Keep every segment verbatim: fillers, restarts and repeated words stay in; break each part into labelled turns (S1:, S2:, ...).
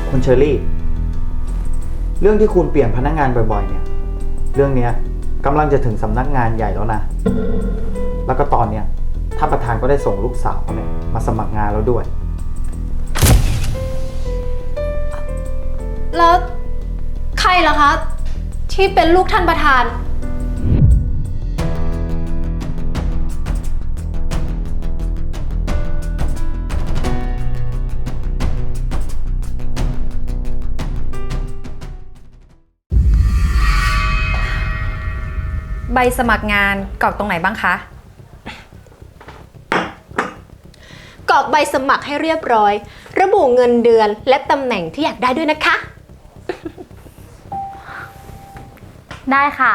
S1: คุณเชอรี่ เรื่องที่คุณเปลี่ยนพนักงานบ่อยๆเนี่ย เรื่องนี้กำลังจะถึงสำนักงานใหญ่แล้วนะ แล้วก็ตอนเนี้ยท่านประธานก็ได้ส่งลูกสาวเนี่ยมาสมัครงานแล้วด้วย
S2: แล้วใครล่ะคะที่เป็นลูกท่านประธาน
S3: ใบสมัครงานกรอกตรงไหนบ้างคะ
S2: กรอกใบสมัครให้เรียบร้อยระบุเงินเดือนและตำแหน่งที่อยากได้ด้วยนะคะ
S3: ได้ค่ะ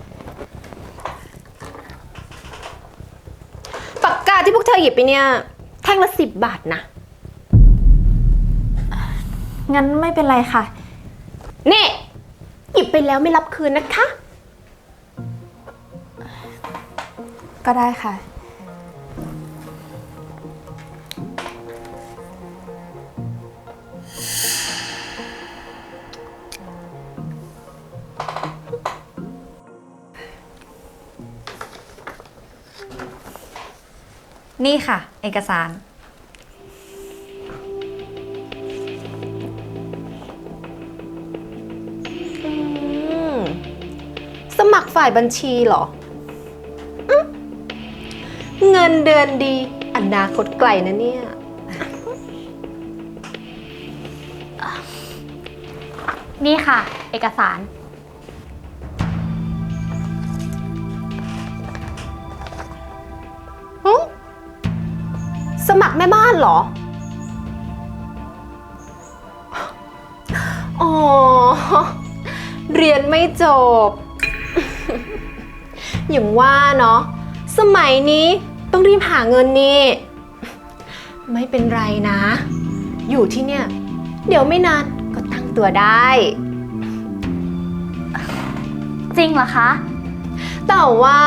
S2: ปากกาที่พวกเธอหยิบไปเนี่ยแท่งละสิบบาทนะ
S3: งั้นไม่เป็นไรค่ะ
S2: นี่หยิบไปแล้วไม่รับคืนนะคะ
S3: ก็ได้ค่ะนี่ค่ะเอกสาร
S2: สมัครฝ่ายบัญชีเหรอเงินเดือนดีอนาคตไกลนะเนี่ย
S3: นี่ค่ะเอกสาร
S2: สมัครแม่บ้านเหรออ๋อเรียนไม่จบอย่างว่าเนาะสมัยนี้ต้องรีบหาเงินนี่ไม่เป็นไรนะอยู่ที่เนี่ยเดี๋ยวไม่นานก็ตั้งตัวได้
S3: จริงเหรอคะ
S2: แต่ว่า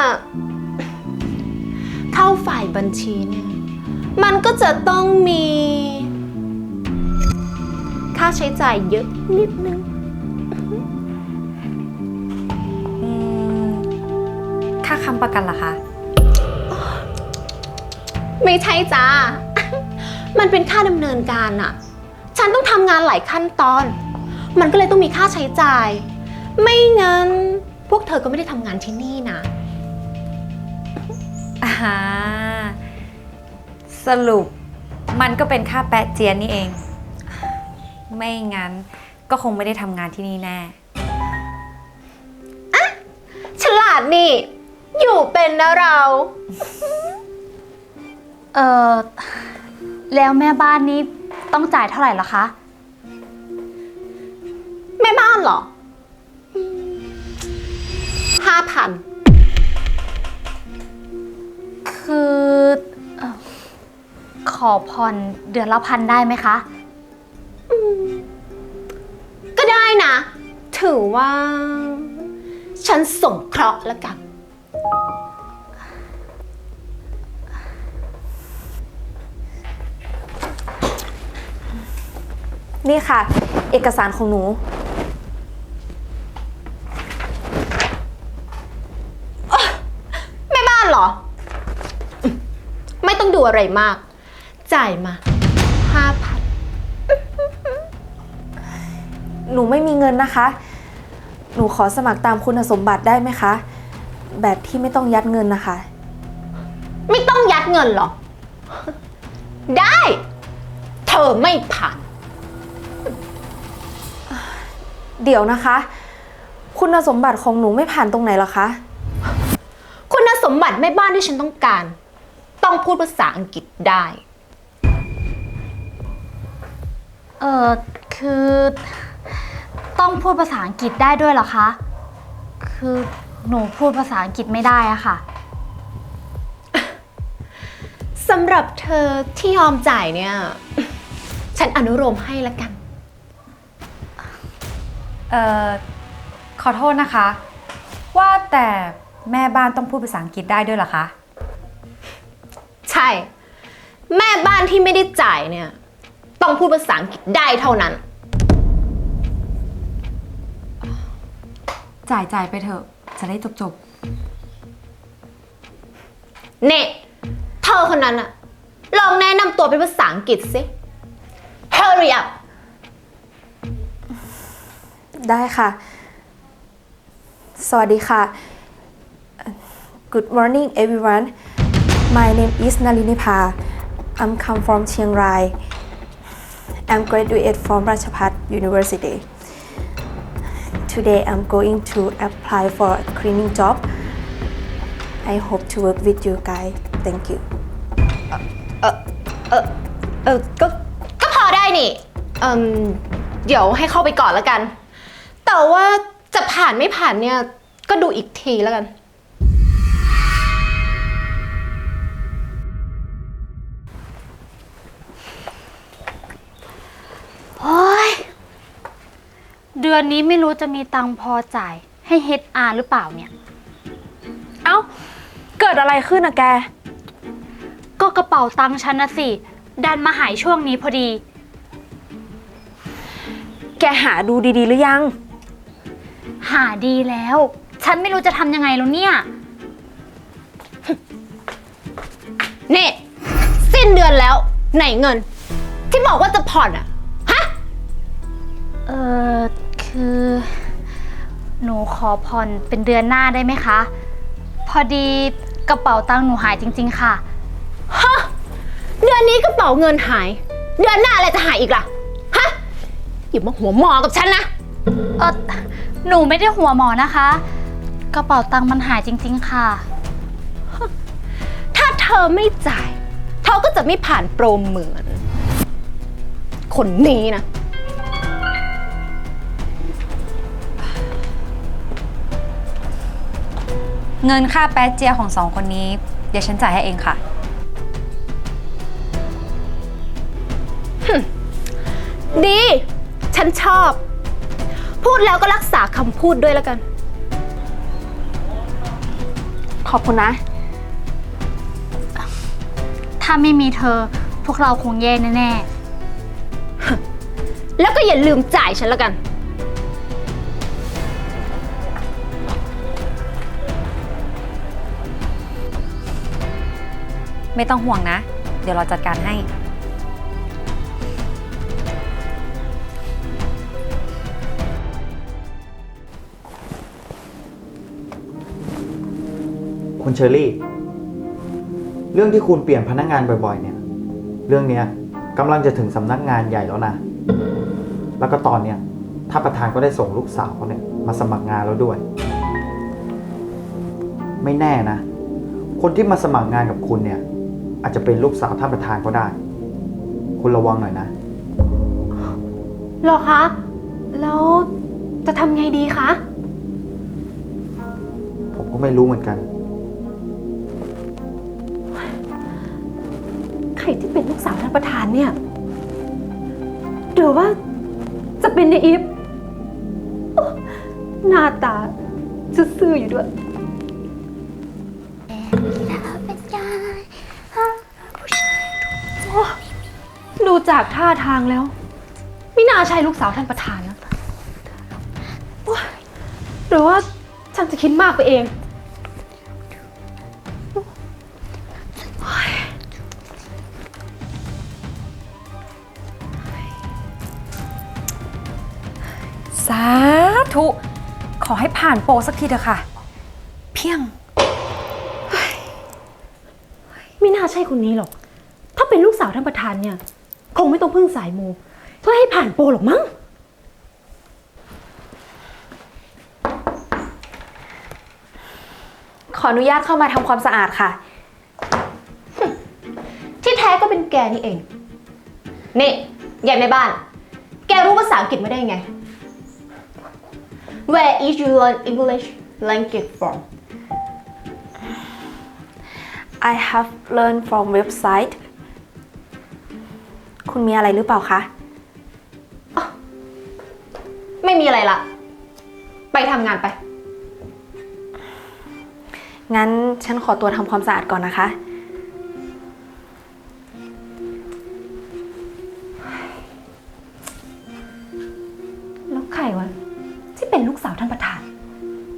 S2: เข้าฝ่ายบัญชีเนี่ยมันก็จะต้องมีค่าใช้จ่ายเยอะนิดนึง
S3: ค่าค้ำประกันเหรอคะ
S2: ไม่ใช่จ้ามันเป็นค่าดำเนินการอะฉันต้องทำงานหลายขั้นตอนมันก็เลยต้องมีค่าใช้จ่ายไม่งั้นพวกเธอก็ไม่ได้ทำงานที่นี่นะ
S3: อ่าสรุปมันก็เป็นค่าแปะเจียนนี่เองไม่งั้นก็คงไม่ได้ทำงานที่นี่แน่
S2: อะฉลาดนี่อยู่เป็นนะเรา
S3: เออแล้วแม่บ้านนี้ต้องจ่ายเท่าไหร่ล่ะคะ
S2: แม่บ้านเหรอห้าพัน
S3: คือขอผ่อนเดือนละพันได้ไหมคะ
S2: ก็ได้นะถือว่าฉันสงเคราะห์แล้วกัน
S3: นี่ค่ะเอกสารของหนู
S2: แม่บ้านเหรอไม่ต้องดูอะไรมากจ่ายมาห้าพัน
S3: หนูไม่มีเงินนะคะหนูขอสมัครตามคุณสมบัติได้ไหมคะแบบที่ไม่ต้องยัดเงินนะคะ
S2: ไม่ต้องยัดเงินหรอได้เธอไม่ผ่าน
S3: เดี๋ยวนะคะคุณสมบัติของหนูไม่ผ่านตรงไหนหรอคะ
S2: คุณสมบัติแม่บ้านที่ฉันต้องการต้องพูดภาษาอังกฤษได้
S3: เออคือต้องพูดภาษาอังกฤษได้ด้วยเหรอคะคือหนูพูดภาษาอังกฤษไม่ได้อะค่ะ
S2: สำหรับเธอที่ยอมจ่ายเนี่ยฉันอนุโลมให้ละกัน
S3: เอ่อขอโทษนะคะว่าแต่แม่บ้านต้องพูดภาษาอังกฤษได้ด้วยเหรอคะ
S2: ใช่แม่บ้านที่ไม่ได้จ่ายเนี่ยต้องพูดภาษาอังกฤษได้เท่านั้น
S4: จ่ายจ่ายไปเถอะจะได้จบจบ
S2: เน่เธอคนนั้นอะลองแนะนำตัวเป็นภาษาอังกฤษสิ Hurry up
S4: ได้ค่ะ สวัสดีค่ะ Good morning everyone My name is Nalinipa I'm come from Chiang Rai I'm graduate from Ratchapat University Today I'm going to apply for a cleaning job I hope to work with you guys Thank you
S2: เออเออเออก็ก็พอได้นี่เอืมเดี๋ยวให้เข้าไปก่อนแล้วกัน แต่ว่าจะผ่านไม่ผ่านเนี่ย ก็ดูอีกทีแล้วกัน
S3: โอ้ยเดือนนี้ไม่รู้จะมีตังค์พอจ่ายให้ เอช อาร์ หรือเปล่าเนี่ย
S5: เอ้า เกิดอะไรขึ้นอะแก
S3: ก็กระเป๋าตังค์ฉันนะสิ ดันมาหายช่วงนี้พอดี
S5: แกหาดูดีๆหรือยัง
S3: หาดีแล้ว ฉันไม่รู้จะทำยังไงแล้วเนี่ย
S2: นี่ สิ้นเดือนแล้วไหนเงิน ที่บอกว่าจะผ่อนอะฮะ
S3: เออคือ หนูขอผ่อนเป็นเดือนหน้าได้ไหมคะ พอดีกระเป๋าตังค์หนูหายจริงๆค่ะ
S2: ฮะ เดือนนี้กระเป๋าเงินหาย เดือนหน้าอะไรจะหายอีกล่ะ ฮะ อย่ามาหัวหมอกับฉันนะ
S3: เออหนูไม่ได้หัวหมอนะคะ กระเป๋าตังค์มันหายจริงๆค่ะ
S2: ถ้าเธอไม่จ่าย เธอก็จะไม่ผ่านโปรเหมือน คนนี้นะ
S4: เงินค่าแป๊ดเจียของสองคนนี้ เดี๋ยวฉันจ่ายให้เองค่ะ
S2: ดี ฉันชอบ พูดแล้วก็รักษาคำพูดด้วยแล้วกัน
S4: ขอบคุณนะ
S3: ถ้าไม่มีเธอพวกเราคงแย่แน่
S2: แล้วก็อย่าลืมจ่ายฉันแล้วกัน
S4: ไม่ต้องห่วงนะ เดี๋ยวเราจัดการให้
S1: คุณเชอรี่ เรื่องที่คุณเปลี่ยนพนักงานบ่อยๆ เนี่ย เรื่องเนี้ยกำลังจะถึงสำนักงานใหญ่แล้วนะ แล้วก็ตอนเนี้ยท่านประธานก็ได้ส่งลูกสาวเขาเนี่ยมาสมัครงานแล้วด้วย ไม่แน่นะ คนที่มาสมัครงานกับคุณเนี่ย อาจจะเป็นลูกสาวท่านประธานก็ได้ คุณระวังหน่อยนะ
S2: หรอคะ แล้วจะทำไงดีคะ
S1: ผมก็ไม่รู้เหมือนกัน
S2: ใครที่เป็นลูกสาวท่านประธานเนี่ยหรือว่าจะเป็นในอีฟโอ้หน้าตาซื่อๆอยู่ด้วย ดูจากท่าทางแล้ว ไม่น่าใช่ลูกสาวท่านประธานนะโอ๊ยหรือว่าฉันจะคิดมากไปเอง
S4: สาธุ ขอให้ผ่านโปรสักทีเถอะค่ะ เพียง
S2: ไม่น่าใช่คนนี้หรอก ถ้าเป็นลูกสาวท่านประธานเนี่ย คงไม่ต้องพึ่งสายมูเพื่อให้ผ่านโปรหรอกมั้ง
S4: ขออนุญาตเข้ามาทำความสะอาดค่ะ
S2: ที่แท้ก็เป็นแกนี่เอง นี่ยายแม่บ้าน แกรู้ภาษาอังกฤษไม่ได้ไง Where is you learn English language from
S4: I have learned from website คุณมีอะไรหรือเปล่าคะ
S2: ไม่มีอะไรละ ไปทำงานไป
S4: งั้นฉันขอตัวทำความสะอาดก่อนนะคะ
S2: แล้วใครวะที่เป็นลูกสาวท่านประธาน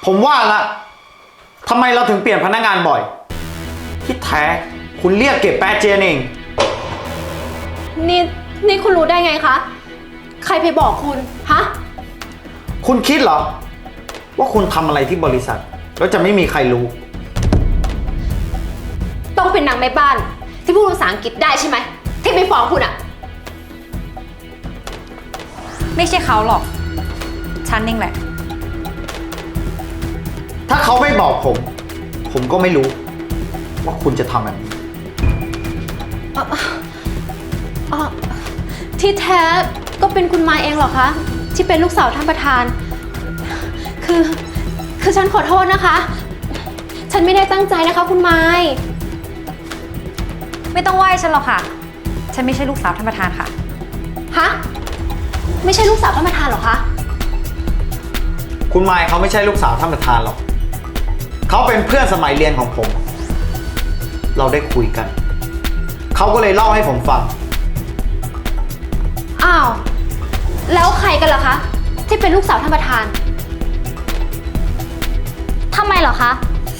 S1: ผมว่าละทำไมเราถึงเปลี่ยนพนักงานบ่อย ที่แท้คุณเรียกเก็บแปะเจียนเอง
S2: นี่นี่คุณรู้ได้ไงคะ ใครไปบอกคุณ ฮะ
S1: คุณคิดเหรอ ว่าคุณทำอะไรที่บริษัท แล้วจะไม่มีใครรู้
S2: ต้องเป็นนางแม่บ้าน ที่พูดภาษาอังกฤษได้ใช่ไหม ที่ไปฟ้องคุณอะ
S6: ไม่ใช่เขาหรอก ฉันเองแหละ
S1: ถ้าเขาไม่บอกผม ผมก็ไม่รู้ ว่าคุณจะทำแบบนี้
S2: อ๋อที่แท้ก็เป็นคุณมายเองเหรอคะ ที่เป็นลูกสาวท่านประธาน คือ คือฉันขอโทษนะคะ ฉันไม่ได้ตั้งใจนะคะคุณมาย
S6: ไม่ต้องไหว้ฉันหรอกค่ะ ฉันไม่ใช่ลูกสาวท่านประธานค่ะ
S2: ฮะ ไม่ใช่ลูกสาวท่านประธานเหรอคะ
S1: คุณมายเขาไม่ใช่ลูกสาวท่านประธานหรอก เขาเป็นเพื่อนสมัยเรียนของผม เราได้คุยกัน เขาก็เลยเล่าให้ผมฟัง
S2: อ้าว แล้วใครกันล่ะคะ ที่เป็นลูกสาวท่านประธาน
S3: ทำไมเหรอคะ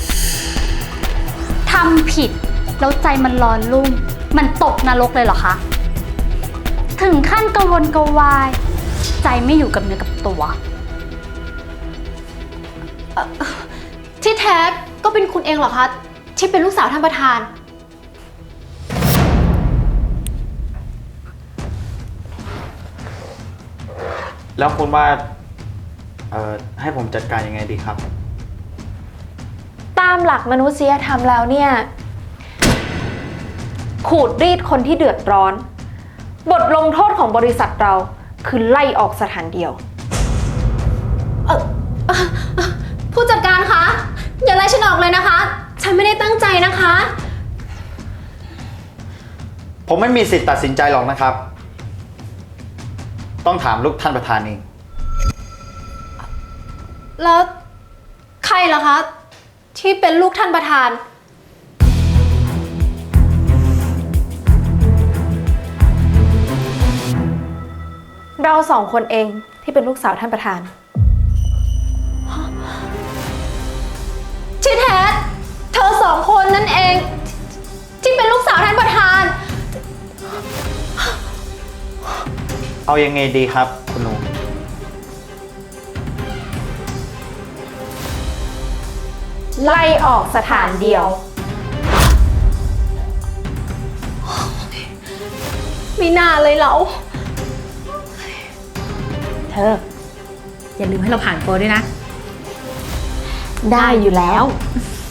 S3: ทำผิดแล้วใจมันร้อนรุ่ม มันตกนรกเลยเหรอคะ ถึงขั้นกระวนกระวาย ใจไม่อยู่กับเนื้อกับตัว
S2: ที่แท้ก็เป็นคุณเองเหรอคะ ที่เป็นลูกสาวท่านประธาน
S1: แล้วคุณว่า เอ่อ ให้ผมจัดการยังไงดีครับ
S4: ตามหลักมนุษยธรรมแล้วเนี่ย ขูดรีดคนที่เดือดร้อน บทลงโทษของบริษัทเราคือไล่ออกสถานเดียว
S2: เอ่อเอ่อเอ่อผู้จัดการคะ อย่าไล่ฉันออกเลยนะคะ ฉันไม่ได้ตั้งใจนะคะ
S1: ผมไม่มีสิทธิ์ตัดสินใจหรอกนะครับ ต้องถามลูกท่านประธานเอง
S2: แล้วใครล่ะคะ ที่เป็นลูกท่านประธาน
S4: เราสองคนเองที่เป็นลูกสาวท่านประธาน
S2: ที่แท้เธอสองคนนั่นเอง ที่เป็นลูกสาวท่านประธาน
S1: เอายังไงดีครับ คุณหนู
S4: ไล่ออกสถานเดียว
S2: ไม่น่าเลยเรา
S6: เธอ อย่าลืมให้เราผ่านโปรด้วยนะ
S4: ได้อยู่แล้ว
S6: ไ